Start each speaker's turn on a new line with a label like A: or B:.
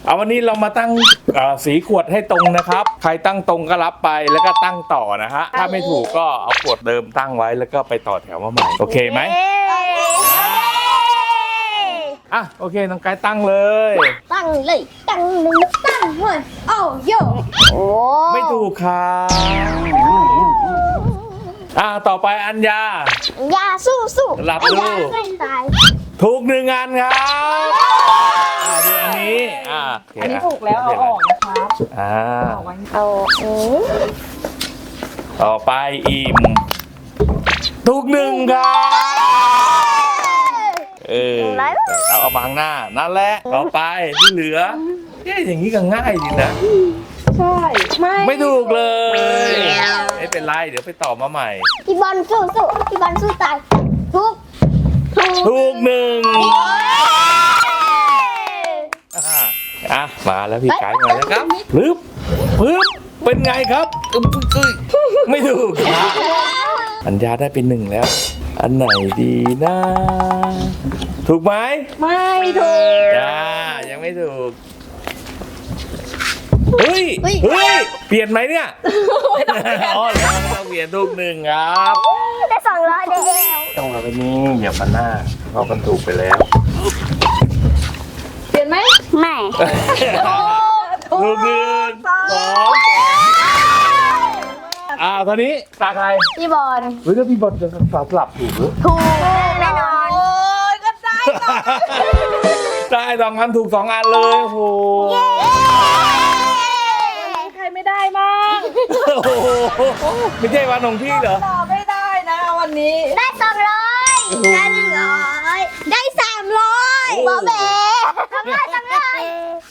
A: เอาวันนี้เรามาตั้งสีขวดให้ตรงนะครับใครตั้งตรงก็รับไปแล้วก็ตั้งต่อนะฮะถ้าไม่ถูกก็เอาขวดเดิมตั้งไว้แล้วก็ไปต่อแถวมาใหม่โอเคไหมอ่ะโอเคน้องไก่ตั้งเลย
B: ตั้งเลยตั้งหนึ่งตั้งเลยโอ้โยโอ้
A: ไม่ถูกครับต่อไปอัญญา
B: อย่าสู้สู้
A: หลับดู
B: อย่าไม่ตาย
A: ถูก1 อันครับดูอันนี้โเค
C: อันนี้ถูกแล้วเอาออกนะครับ
B: เอา
A: ต่อไปอิ่มถูก1ครับเอามาข้างหน้านั่นแหละต่อไปที่เหลืออย่างนี้ก็ง่ายดีนะ
C: ใช่
A: ไม่ถูกเลยไม่เป็นไรเดี๋ยวไปต่อมาใหม่
B: พี่บอลสู้สู้พี่บอลสู้ตายทุก
A: ถูก1มาแล้วพี่ไก่มาแล้วครับปึ๊บเป็นไงครับไม่ถูกครับอัญญาได้เป็น1แล้วอันไหนดีนะถูกไหม
C: ไม่ถูก
A: ยังไม่ถูกเฮ้ยเปลี่ยนไหมเนี่ยอ๋อแล้วต้องเปลี่ยนถูก1ครับ
B: ได้200เดียว
A: ต้องเอาไปนี่เหยียบมันหน้าเพราะมันถูกไปแล้ว
C: เปลี่ยนไหม
B: ไม่
A: ถูกตอนนี้ตาใคร
B: พี่บอล
A: เฮ้ยแล้วพี่บอลจะสลับถูกหรือ
B: ถูกแน่นอน
C: โอ้ยก็ได้
A: ได้2 อันถูก2 อันเลยโอ้โห
C: ใครไม่ได้บ้าง
A: ไม่ใช่วันของพี่เหรอ
C: ตอบไม่ได้นะวันนี้
B: ได้200ได้100ได้300บอเบทำได้